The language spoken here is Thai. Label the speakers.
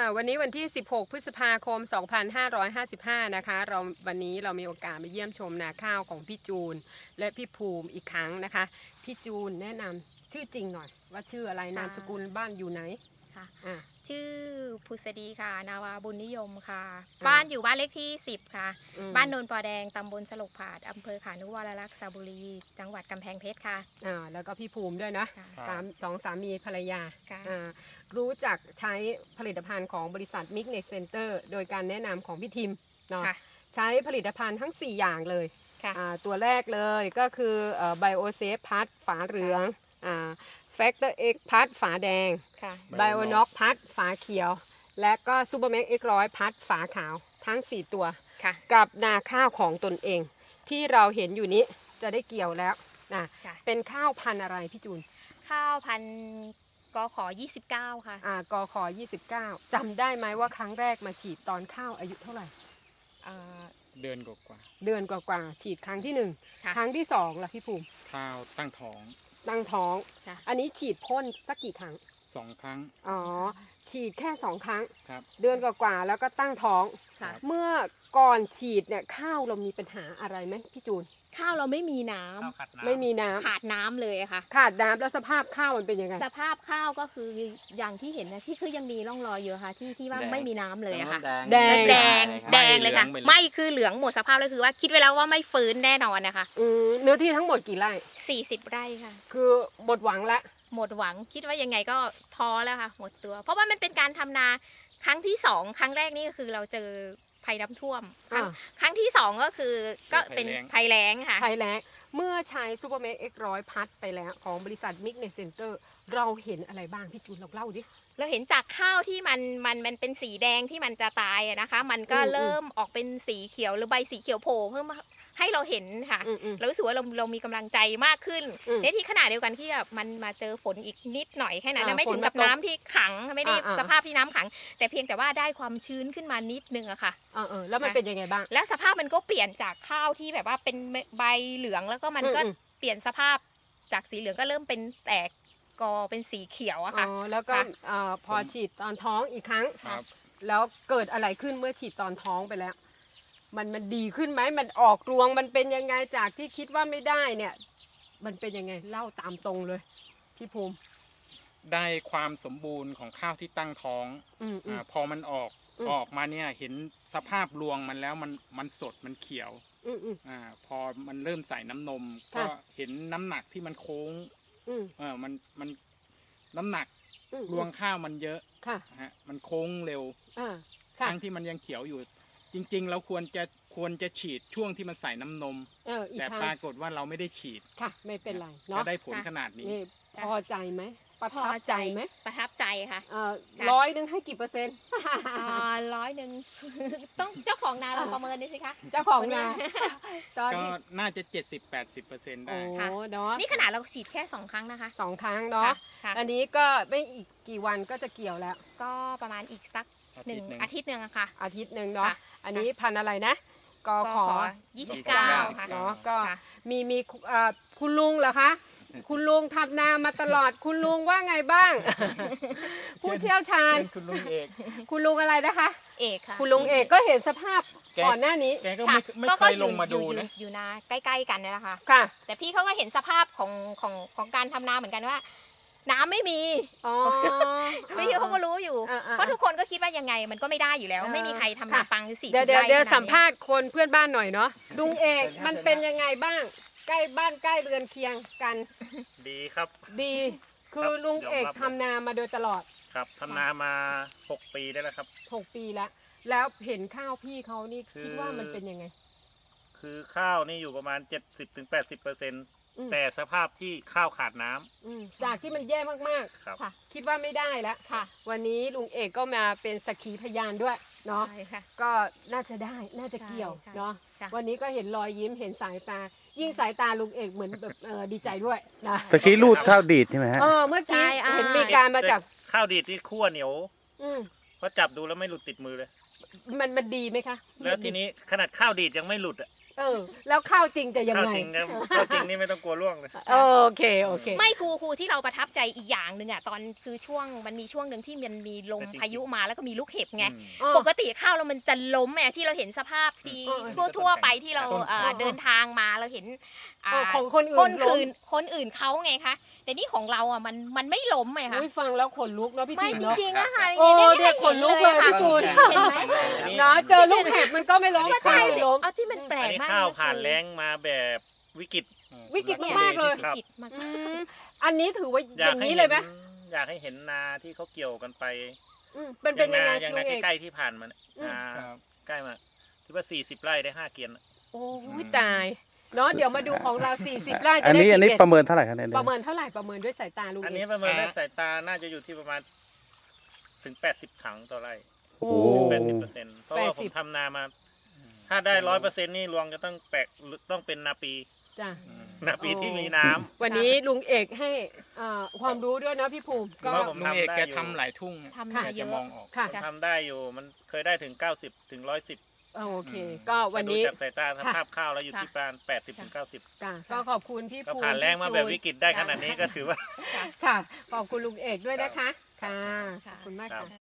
Speaker 1: วันนี้วันที่ 16 พฤษภาคม 2555 นะคะวันนี้เรามีโอกาสมาเยี่ยมชมนาข้าวของพี่จูนและพี่ภูมิอีกครั้งนะคะพี่จูนแนะนำชื่อจริงหน่อยว่าชื่ออะไรนามสกุลบ้านอยู่ไหน
Speaker 2: ค่ะ
Speaker 1: อ่า
Speaker 2: ชื่อพุษดีค่ะนาวาบุญนิยมค่ะบ้านอยู่บ้านเลขที่ 10 ค่ะบ้านโนนปอแดงตำบลสลกผาดอำเภอขานุวรรลักษณ์สระบุรีจังหวัดกำแพงเพชรค่ะ
Speaker 1: แล้วก็พี่ภูมิด้วยนะ สองสามีภรรยา
Speaker 2: ค่ะ
Speaker 1: รู้จักใช้ผลิตภัณฑ์ของบริษัทมิกเนสเซ็นเตอร์โดยการแนะนำของพี่ทิมเนาะ
Speaker 2: ค่ะ
Speaker 1: ใช้ผลิตภัณฑ์ทั้ง 4 อย่างเลย
Speaker 2: ค่ะ
Speaker 1: ตัวแรกเลยก็คือไบโอเซฟพัดฝาเหลืองแฟกเตอร์เอ็กพัดฝาแดง
Speaker 2: ค่ะ
Speaker 1: ไบโอน็อกพัดฝาเขียว และก็ซูเปอร์แม็กเอ็กร้อยพัดฝาขาวทั้ง 4 ตัว
Speaker 2: ค่ะ
Speaker 1: กับนาข้าวของตนเอง ที่เราเห็นอยู่นี้จะได้เกี่ยวแล้วนะ
Speaker 2: ค่ะ
Speaker 1: เป็นข้าวพันธุ์อะไรพี่จูน
Speaker 2: ข้าวพันกขอ29 ค่ะ
Speaker 1: กข29จำได้ไหมว่าครั้งแรกมาฉีดตอนข้าวอายุเท่าไหร่
Speaker 3: เดือนกว่า
Speaker 1: เดือนกว่าๆฉีดครั้งที่
Speaker 2: ค่ะ
Speaker 1: 1 ครั้งที่2ล่ะพี่ภูมิ
Speaker 3: ข้าวตั้งท้อง
Speaker 1: ตั้งท้อง
Speaker 2: ค่ะ
Speaker 1: อันนี้ฉีดพ่นสักกี่ครั้ง
Speaker 3: 2 ครั้ง
Speaker 1: อ๋อฉีดแค่ 2 ครั้ง
Speaker 3: ครับ
Speaker 1: เดือนกว่าๆแล้วก็ตั้งท้อง
Speaker 2: ค่ะ
Speaker 1: เมื่อก่อนฉีดเนี่ยข้าวเรามีปัญหาอะไรไหมพี่จูน
Speaker 2: ข้าวเราไม่มีน้
Speaker 3: ข้าวขัดน้ำ
Speaker 1: ไม่มีน้ำ
Speaker 2: ำขาดน้ำเลยค่ะ
Speaker 1: ขาดน้ำแล้วสภาพข้าวมันเป็นยังไง
Speaker 2: สภาพข้าวก็คืออย่างที่เห็นนะที่คือยังมีร่องรอยอยู่ค่ะที่ว่า
Speaker 3: แดง
Speaker 2: ไม่มีน้ำเลยอะค่ะ
Speaker 1: แดง
Speaker 2: แดง
Speaker 3: ไม่
Speaker 2: แดงเลยค่ะ
Speaker 3: เหลืองไปเลย
Speaker 2: ไม่คือเหลืองหมดสภาพเลยคือว่าคิดไว้แล้วว่าไม่ฟื้นแน่นอนนะคะ
Speaker 1: เนื้อที่ทั้งหมดกี่ไร่
Speaker 2: 40 ไร่ค่ะ
Speaker 1: คือหมดหวังละ
Speaker 2: หมดหวังคิดว่ายังไงก็ท้อแล้วค่ะหมดตัว เพราะว่ามันเป็นการทำนาครั้งที่ 2 ครั้งแรกนี่ก็คือเราเจอภัยน้ำท่วม ครั้งที่ 2 ก็คือก็เป็นภัยแล้งค่ะ
Speaker 1: ภัยแล้งเมื่อใช้ซูเปอร์เมกเอ็กร้อยพัดไปแล้วของบริษัทมิกเนสเซ็นเตอร์เราเห็นอะไรบ้างพี่จูนเราเล่าดิ
Speaker 2: เราเห็นจากข้าวที่มันเป็นสีแดงที่มันจะตายอะนะคะ มันก็เริ่มออกเป็นสีเขียวหรือใบสีเขียวโผล่เพิ่มให้เราเห็นค่ะ เรารู้สึกว่าเรามีกำลังใจมากขึ้นในที่ขณะเดียวกันที่แบบมันมาเจอฝนอีกนิดหน่อยแค่นั้นนะไม่ถึงกับน้ำที่ขังไม่ได้สภาพที่น้ำขัง แต่เพียงแต่ว่าได้ความชื้นขึ้นมานิดนึงอะค่ะ
Speaker 1: แล้วมันเป็นยังไงบ้าง
Speaker 2: แล้วสภาพมันก็เปลี่ยนจากข้าวที่แบบว่าเป็นใบเหลืองแล้วก็มันก็เปลี่ยนสภาพจากสีเหลืองก็เริ่มเป็นแตกกอเป็นสีเขียวอะค่ะ
Speaker 1: แล้วก็พอฉีดตอนท้องอีกครั้ง
Speaker 3: ครับ
Speaker 1: แล้วเกิดอะไรขึ้นเมื่อฉีดตอนท้องไปแล้ว มันดีขึ้นไหมมันออกรวงมันเป็นยังไงจากที่คิดว่าไม่ได้เนี่ย มันเป็นยังไงเล่าตามตรงเลยพี่ภูมิ
Speaker 3: ได้ความสมบูรณ์ของข้าวที่ตั้งท้อง พอมันออกมาเนี่ยเห็นสภาพรวงมันแล้วมันสดมันเขียว พอมันเริ่มใส่น้ำนม ก็เห็นน้ำหนักที่มันโค้งมันน้ำหนักรวงข้าวมันเยอะมันโค้งเร็วทั้งที่มันยังเขียวอยู่ จริงๆเราควรจะฉีดช่วงที่มันใส่น้ำนมแต่ปรากฏว่าเราไม่ได้ฉีด
Speaker 1: ค่ะไม่เป็นไร
Speaker 3: ก็
Speaker 1: เนาะ
Speaker 3: ได้ผลขนาดนี้
Speaker 1: พอใจไหมประทับใจไหม
Speaker 2: ประทับใจค่ะ
Speaker 1: 100ให้กี่เปอร์เซ็นต์
Speaker 2: 100ต้องเจ้าของนาเราประเมินดูสิคะ
Speaker 1: เจ้าของนาตอน
Speaker 3: ก็
Speaker 1: นี้
Speaker 3: น่าจะ 70-80% ได้
Speaker 1: โอ้เนาะ
Speaker 2: นี่ขนาดเราฉีดแค่2 ครั้งนะคะ
Speaker 1: 2 ครั้งเนาะ
Speaker 2: ค่ะ
Speaker 1: อันนี้ก็ไม่อีกกี่วันก็จะเกี่ยวแล้ว
Speaker 2: ก็ประมาณอีกสัก
Speaker 3: อาทิตย์หนึ่ง
Speaker 2: อาทิตย์หนึ่งอะค่ะ
Speaker 1: อาทิตย์หนึ่งเนาะ
Speaker 2: ค่ะ
Speaker 1: อันนี้พันธุ์อะไรนะกขอ
Speaker 2: 29 ค่ะ
Speaker 1: เนาะก็
Speaker 2: ค่ะ
Speaker 1: มีคุณลุงเหรอคะ คุณลุงทำนามาตลอด คุณลุงว่าไงบ้าง ผู้เชี่ยวชาญ
Speaker 3: เป็นคุณลุงเอก
Speaker 1: คุณลุงอะไรนะคะ
Speaker 2: เอกค่ะ
Speaker 1: คุณลุงเอกก็เห็นสภาพก่อนหน้านี้
Speaker 3: แกก็
Speaker 2: ค่ะ
Speaker 3: ไม่
Speaker 2: ก็
Speaker 3: เคยลงมาดูนะ
Speaker 2: อยู่นาใกล้ๆกันเนี่ยแหละค่ะ
Speaker 1: ค่ะ
Speaker 2: แต่พี่เขาก็เห็นสภาพของการทำนาเหมือนกันว่า น้ำไม่มี
Speaker 1: อ๋อ
Speaker 2: พี่เขาก็รู้อยู่ เพราะทุกคนก็คิดว่ายังไงมันก็ไม่ได้อยู่แล้ว ไม่มีใครทำนาปัง40
Speaker 1: เดี๋ยว
Speaker 2: ไร่
Speaker 1: เดี๋ยว
Speaker 2: ขนนี้
Speaker 1: สัมภาษณ์คนเพื่อนบ้านหน่อยเนาะลุงเอกมันเป็นยังไงบ้าง ใกล้บ้านใกล้เรือนเคียงกัน
Speaker 4: ดีครับ
Speaker 1: ดีคือลุงเอก
Speaker 4: ยอมรับ
Speaker 1: ทำนามาโดยตลอด
Speaker 4: ครับทำนามา 6 ปีได้แล้วครับ
Speaker 1: 6 ปีแล้ว แล้วเห็นข้าวพี่เขานี่
Speaker 4: คือ
Speaker 1: คิดว่ามันเป็นยังไง
Speaker 4: คือข้าวนี่อยู่ประมาณ 70-80%แต่สภาพที่ข้าวขาดน้ำ
Speaker 1: จากที่มันแย่มาก
Speaker 4: ครับ
Speaker 2: ค่ะ
Speaker 1: ๆ คิดว่าไม่ได้แล้ว
Speaker 2: ค่ะ
Speaker 1: วันนี้ลุงเอกก็มาเป็นสักขีพยานด้วยเนาะ
Speaker 2: ใช่ค่ะ
Speaker 1: ก็น่าจะได้น่าจะเกี่ยว
Speaker 2: ใช่
Speaker 1: เนาะ
Speaker 2: ค่ะ
Speaker 1: วันนี้ก็เห็นรอยยิ้มเห็นสายตา ยิ่งสายตาลุงเอกเหมือนแบบดีใจด้วยนะ
Speaker 5: ตะกี้รูดข้าวดีดใช่ไหมฮะ
Speaker 1: เมื่อ
Speaker 2: ใช่
Speaker 1: กี้
Speaker 2: อ่า
Speaker 1: เห็นมีการมาจาก
Speaker 4: แต่ข้าวดีดที่คั่วเหนียว
Speaker 1: อืม
Speaker 4: เพราะจับดูแล้วไม่หลุดติดมือเลย
Speaker 1: มันดีไหมคะ
Speaker 4: แล้วทีนี้ขนาดข้าวดีดยังไม่หลุดอ่ะ
Speaker 1: แล้วข้าวจริงจะยัง
Speaker 4: ข้าว
Speaker 1: ไง
Speaker 4: จริงนะข้าวจริงนี่ไม่ต้องกลัวร่วงเลย
Speaker 1: โอเคโอเค
Speaker 2: ไม่ครูที่เราประทับใจอีกอย่างหนึ่งอ่ะตอนคือช่วงมันมีช่วงหนึ่งที่มันมีลมพายุมาแล้วก็มีลูกเห็บไง
Speaker 4: อืม
Speaker 2: ปกติข้าวเรามันจะล้มไงที่เราเห็นสภาพที่ ทั่วไปที่เราเดินทางมาเราเห็น
Speaker 1: ของคนอื่น
Speaker 2: คน
Speaker 1: ล้ม
Speaker 2: อื่นเขาไงคะแต่นี่ของเราอ่ะมันไม่ล้มไงคะ
Speaker 1: อุ๊ยฟังแล้วขนลุกเนาะพี่
Speaker 2: ไม่
Speaker 1: จูน
Speaker 2: จ
Speaker 1: เนาะ
Speaker 2: ริงๆอะค่ะ
Speaker 1: โอ้
Speaker 2: เนี่ย
Speaker 1: เด็กขนลุกเลยพี่จูน
Speaker 2: เห็นไหม
Speaker 1: นะเจอลูกเห็บมันก็ไม่ล้ม
Speaker 2: ก็ใช่สิ
Speaker 1: ล้ม
Speaker 2: เอาที่มันแปล
Speaker 4: อัน
Speaker 2: ก
Speaker 4: นี้
Speaker 2: มาก
Speaker 4: ข้าว
Speaker 2: เลยะ
Speaker 4: ผ่านแล้งมาแบบวิกฤต
Speaker 1: วิกฤตมากๆเลย
Speaker 4: ครับ
Speaker 2: ผิดมาก
Speaker 1: อืมอันนี้ถือว่าอ
Speaker 4: อยาก
Speaker 1: ย่าง
Speaker 4: ให้
Speaker 1: นี้
Speaker 4: เห็
Speaker 1: เลยไหม
Speaker 4: อยากให้เห็นนาที่เขาเกี่ยวกันไป
Speaker 1: เป็นยังไง
Speaker 4: อย่าง
Speaker 1: ลุ
Speaker 4: นาง
Speaker 1: เอก
Speaker 4: ใกล้ๆที่ผ่านมาเนี่ย
Speaker 3: ครับ
Speaker 4: ใกล้มาที่ว่า40 ไร่ได้5 เกียน
Speaker 1: โอ้ยตายเนาะเดี๋ยวมาดูของเรา40ไร่
Speaker 5: อั
Speaker 1: จะ
Speaker 5: น
Speaker 1: ได้
Speaker 5: นี้
Speaker 1: กี่
Speaker 5: อันนี้
Speaker 1: เบ็ด
Speaker 5: ประเมินเท่าไหร่ครับเนี่ย
Speaker 1: ประเมินเท่าไหร่ประเมินด้วยสายตาลุง
Speaker 4: อัน
Speaker 1: เอ
Speaker 4: นี้
Speaker 1: ก
Speaker 4: ประเมินด้วยสายตาน่าจะอยู่ที่ประมาณถึง80 ถังต่อไร่
Speaker 5: โอ้โห
Speaker 4: 80%เพราะว่าผมทำนามา ถ้าได้100%นี่รวงจะต้องเป็นนาปี
Speaker 1: จ้ะ
Speaker 4: นาปีที่มีน้ำ
Speaker 1: วันนี้ลุงเอกให้ความรู้ด้วยนะพี่ภูมิก็
Speaker 4: ว่าผม
Speaker 3: ลุงเอก
Speaker 4: ทำได้
Speaker 3: แก
Speaker 4: อยู่
Speaker 3: ทำหลายทุ่ง
Speaker 2: ทำมา
Speaker 3: แก
Speaker 2: เย
Speaker 3: จะ
Speaker 2: อะ
Speaker 3: มองออก
Speaker 1: ค่ะ
Speaker 4: ผมทำได้อยู่มันเคยได้ถึง90ถึง110
Speaker 1: โอเค ก็วันนี้
Speaker 4: ดูจากสายตาสภาพข้าวแล้วอยู่ที่ประมาณ80ถึง90
Speaker 1: ค่ะก็ขอบคุณพี่
Speaker 4: ก็
Speaker 1: ภูมิ
Speaker 4: ผ่านแรงมาแบบ
Speaker 1: พี่
Speaker 4: วิ
Speaker 1: จูน
Speaker 4: กฤตได้ขนาดนี้ก็ถือว่า
Speaker 1: ค่ะ ขอบคุณลุงเอกด้วยนะคะ ค่ะ
Speaker 2: ค่ะ
Speaker 1: ขอบคุณมาก
Speaker 4: ครั
Speaker 1: ค่ะ
Speaker 4: บ